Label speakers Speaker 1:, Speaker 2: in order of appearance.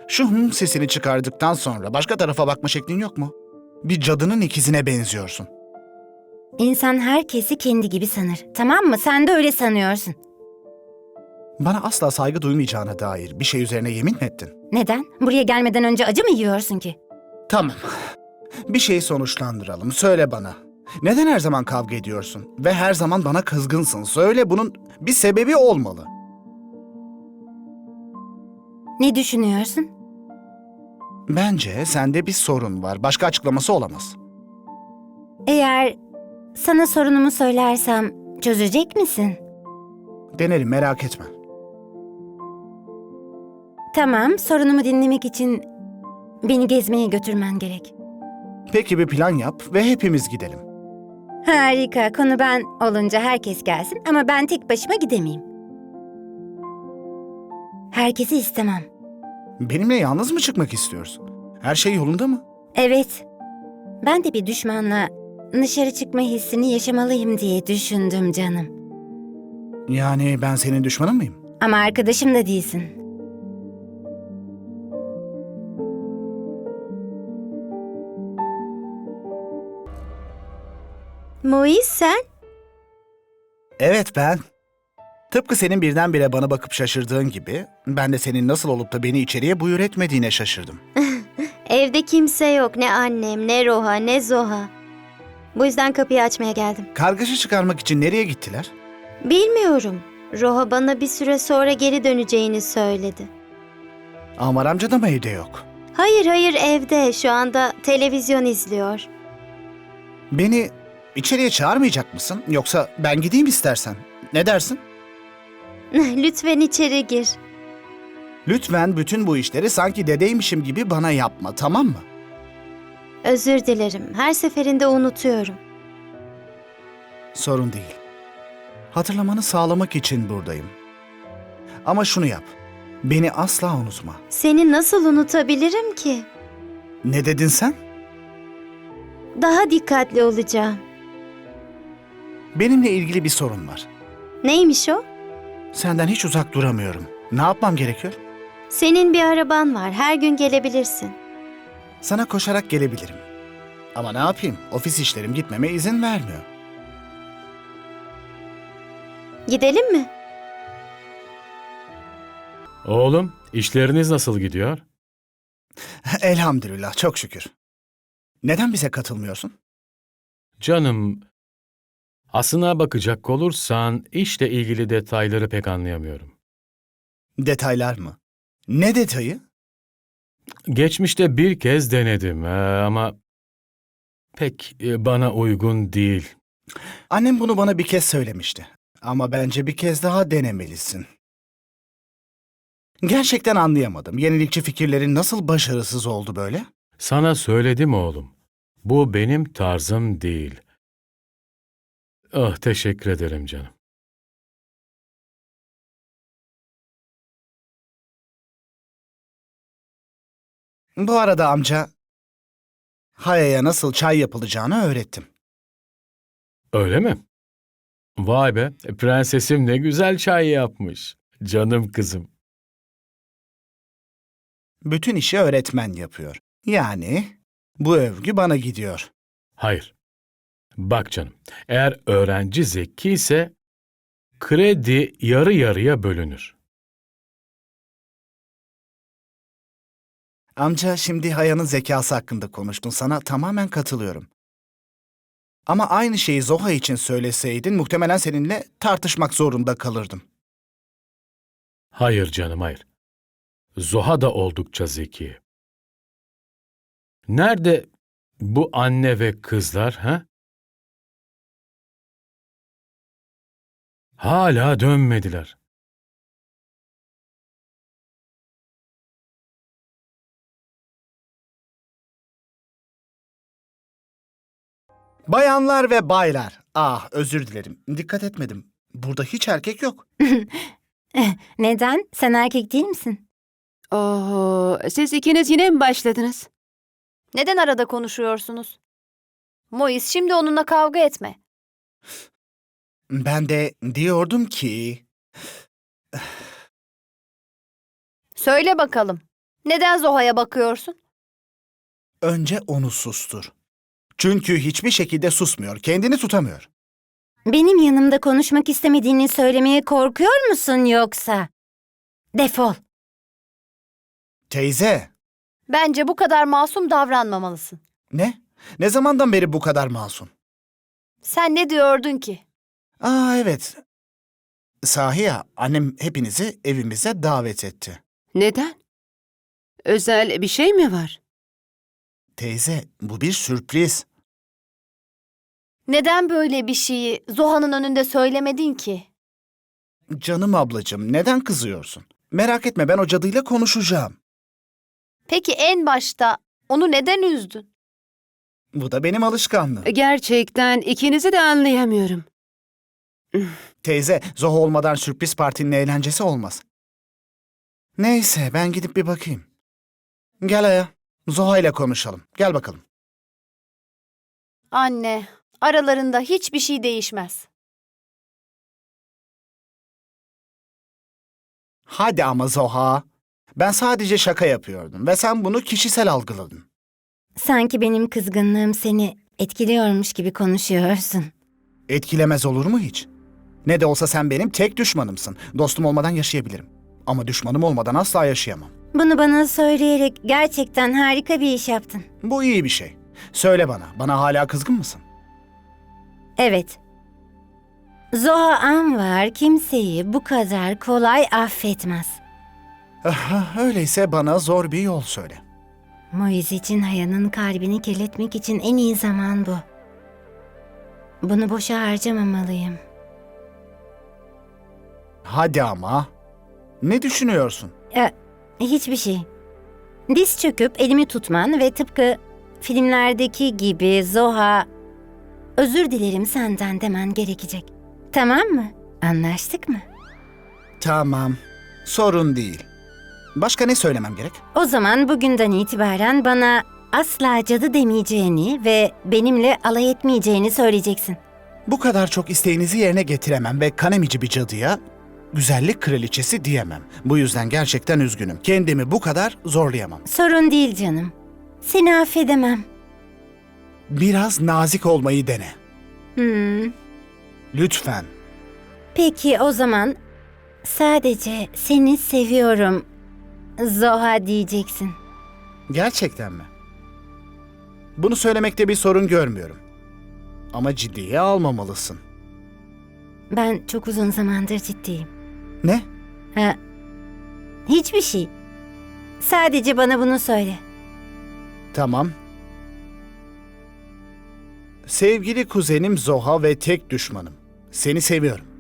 Speaker 1: Şu sesini çıkardıktan sonra başka tarafa bakma şeklin yok mu? Bir cadının ikizine benziyorsun.
Speaker 2: İnsan herkesi kendi gibi sanır. Tamam mı? Sen de öyle sanıyorsun.
Speaker 1: Bana asla saygı duymayacağına dair bir şey üzerine yemin mi ettin?
Speaker 2: Neden? Buraya gelmeden önce acı mı yiyorsun ki?
Speaker 1: Tamam. Bir şeyi sonuçlandıralım. Söyle bana. Neden her zaman kavga ediyorsun? Ve her zaman bana kızgınsın. Söyle, bunun bir sebebi olmalı.
Speaker 2: Ne düşünüyorsun?
Speaker 1: Bence sende bir sorun var. Başka açıklaması olamaz.
Speaker 2: Eğer sana sorunumu söylersem çözecek misin?
Speaker 1: Denerim, merak etme.
Speaker 2: Tamam, sorunumu dinlemek için beni gezmeye götürmen gerek.
Speaker 1: Peki bir plan yap ve hepimiz gidelim.
Speaker 2: Harika, konu ben olunca herkes gelsin ama ben tek başıma gidemeyim. Herkesi istemem.
Speaker 1: Benimle yalnız mı çıkmak istiyorsun? Her şey yolunda mı?
Speaker 2: Evet, ben de bir düşmanla dışarı çıkma hissini yaşamalıyım diye düşündüm canım.
Speaker 1: Yani ben senin düşmanın mıyım?
Speaker 2: Ama arkadaşım da değilsin.
Speaker 3: Moiz sen?
Speaker 1: Evet, ben. Tıpkı senin birdenbire bana bakıp şaşırdığın gibi, ben de senin nasıl olup da beni içeriye buyur etmediğine şaşırdım.
Speaker 3: Evde kimse yok. Ne annem, ne Roha, ne Zoha. Bu yüzden kapıyı açmaya geldim.
Speaker 1: Kargaşa çıkarmak için nereye gittiler?
Speaker 3: Bilmiyorum. Roha bana bir süre sonra geri döneceğini söyledi.
Speaker 1: Amar amca da mı evde yok?
Speaker 3: Hayır evde. Şu anda televizyon izliyor.
Speaker 1: Beni içeriye çağırmayacak mısın? Yoksa ben gideyim istersen. Ne dersin?
Speaker 3: Lütfen içeri gir.
Speaker 1: Lütfen bütün bu işleri sanki dedeymişim gibi bana yapma, tamam mı?
Speaker 3: Özür dilerim. Her seferinde unutuyorum.
Speaker 1: Sorun değil. Hatırlamanı sağlamak için buradayım. Ama şunu yap. Beni asla unutma.
Speaker 3: Seni nasıl unutabilirim ki?
Speaker 1: Ne dedin sen?
Speaker 3: Daha dikkatli olacağım.
Speaker 1: Benimle ilgili bir sorun var.
Speaker 3: Neymiş o?
Speaker 1: Senden hiç uzak duramıyorum. Ne yapmam gerekiyor?
Speaker 3: Senin bir araban var. Her gün gelebilirsin.
Speaker 1: Sana koşarak gelebilirim. Ama ne yapayım? Ofis işlerim gitmeme izin vermiyor.
Speaker 3: Gidelim mi?
Speaker 4: Oğlum, işleriniz nasıl gidiyor?
Speaker 1: Elhamdülillah, çok şükür. Neden bize katılmıyorsun?
Speaker 4: Canım, aslına bakacak olursan işle ilgili detayları pek anlayamıyorum.
Speaker 1: Detaylar mı? Ne detayı?
Speaker 4: Geçmişte bir kez denedim ama pek bana uygun değil.
Speaker 1: Annem bunu bana bir kez söylemişti. Ama bence bir kez daha denemelisin. Gerçekten anlayamadım. Yenilikçi fikirlerin nasıl başarısız oldu böyle?
Speaker 4: Sana söyledim oğlum. Bu benim tarzım değil. Ah, teşekkür ederim canım.
Speaker 1: Bu arada amca, Haya'ya nasıl çay yapılacağını öğrettim.
Speaker 4: Öyle mi? Vay be, prensesim ne güzel çay yapmış. Canım kızım.
Speaker 1: Bütün işi öğretmen yapıyor. Yani bu övgü bana gidiyor.
Speaker 4: Hayır. Bak canım, eğer öğrenci zeki ise kredi yarı yarıya bölünür.
Speaker 1: Amca, şimdi Haya'nın zekası hakkında konuştun. Sana tamamen katılıyorum. Ama aynı şeyi Zoha için söyleseydin muhtemelen seninle tartışmak zorunda kalırdım.
Speaker 4: Hayır canım, hayır. Zoha da oldukça zeki. Nerede bu anne ve kızlar, ha? Hala dönmediler.
Speaker 1: Bayanlar ve baylar. Ah, özür dilerim. Dikkat etmedim. Burada hiç erkek yok.
Speaker 2: Neden? Sen erkek değil misin?
Speaker 5: Oho, siz ikiniz yine mi başladınız?
Speaker 6: Neden arada konuşuyorsunuz? Moiz, şimdi onunla kavga etme.
Speaker 1: Ben de diyordum ki...
Speaker 6: Söyle bakalım. Neden Zoha'ya bakıyorsun?
Speaker 1: Önce onu sustur. Çünkü hiçbir şekilde susmuyor, kendini tutamıyor.
Speaker 2: Benim yanımda konuşmak istemediğini söylemeye korkuyor musun yoksa? Defol.
Speaker 1: Teyze,
Speaker 6: Bence bu kadar masum davranmamalısın.
Speaker 1: ne? Ne zamandan beri bu kadar masum?
Speaker 6: Sen ne diyordun ki?
Speaker 1: Aa evet. Sahi ya, annem hepinizi evimize davet etti.
Speaker 5: Neden? Özel bir şey mi var?
Speaker 1: Teyze, bu bir sürpriz.
Speaker 6: Neden böyle bir şeyi Zoha'nın önünde söylemedin ki?
Speaker 1: Canım ablacığım, neden kızıyorsun? Merak etme, ben o cadıyla konuşacağım.
Speaker 6: Peki en başta onu neden üzdün?
Speaker 1: Bu da benim alışkanlığım.
Speaker 5: Gerçekten ikinizi de anlayamıyorum.
Speaker 1: Teyze, Zoha olmadan sürpriz partinin eğlencesi olmaz. Neyse, ben gidip bir bakayım. Gel Aya, Zoha ile konuşalım. Gel bakalım.
Speaker 6: Anne, aralarında hiçbir şey değişmez.
Speaker 1: Hadi ama Zoha. Ben sadece şaka yapıyordum ve sen bunu kişisel algıladın.
Speaker 2: Sanki benim kızgınlığım seni etkiliyormuş gibi konuşuyorsun.
Speaker 1: Etkilemez olur mu hiç? Ne de olsa sen benim tek düşmanımsın. Dostum olmadan yaşayabilirim. Ama düşmanım olmadan asla yaşayamam.
Speaker 2: Bunu bana söyleyerek gerçekten harika bir iş yaptın.
Speaker 1: Bu iyi bir şey. Söyle bana hala kızgın mısın?
Speaker 2: Evet. Zoha Anvar kimseyi bu kadar kolay affetmez.
Speaker 1: Öyleyse bana zor bir yol söyle.
Speaker 2: Moiz için Haya'nın kalbini kirletmek için en iyi zaman bu. Bunu boşa harcamamalıyım.
Speaker 1: Hadi ama. Ne düşünüyorsun?
Speaker 2: Hiçbir şey. Diz çöküp elimi tutman ve tıpkı filmlerdeki gibi Zoha, özür dilerim senden demen gerekecek. Tamam mı? Anlaştık mı?
Speaker 1: Tamam. Sorun değil. Başka ne söylemem gerek?
Speaker 2: O zaman bugünden itibaren bana asla cadı demeyeceğini ve benimle alay etmeyeceğini söyleyeceksin.
Speaker 1: Bu kadar çok isteğinizi yerine getiremem ve kanemici bir cadıya güzellik kraliçesi diyemem. Bu yüzden gerçekten üzgünüm. Kendimi bu kadar zorlayamam.
Speaker 2: Sorun değil canım. Seni affedemem.
Speaker 1: Biraz nazik olmayı dene.
Speaker 2: Hmm.
Speaker 1: Lütfen.
Speaker 2: Peki o zaman sadece seni seviyorum Zoha diyeceksin.
Speaker 1: Gerçekten mi? Bunu söylemekte bir sorun görmüyorum. Ama ciddiye almamalısın.
Speaker 2: Ben çok uzun zamandır ciddiyim.
Speaker 1: Ne?
Speaker 2: Hiçbir şey. Sadece bana bunu söyle.
Speaker 1: Tamam. Sevgili kuzenim Zoha ve tek düşmanım. Seni seviyorum.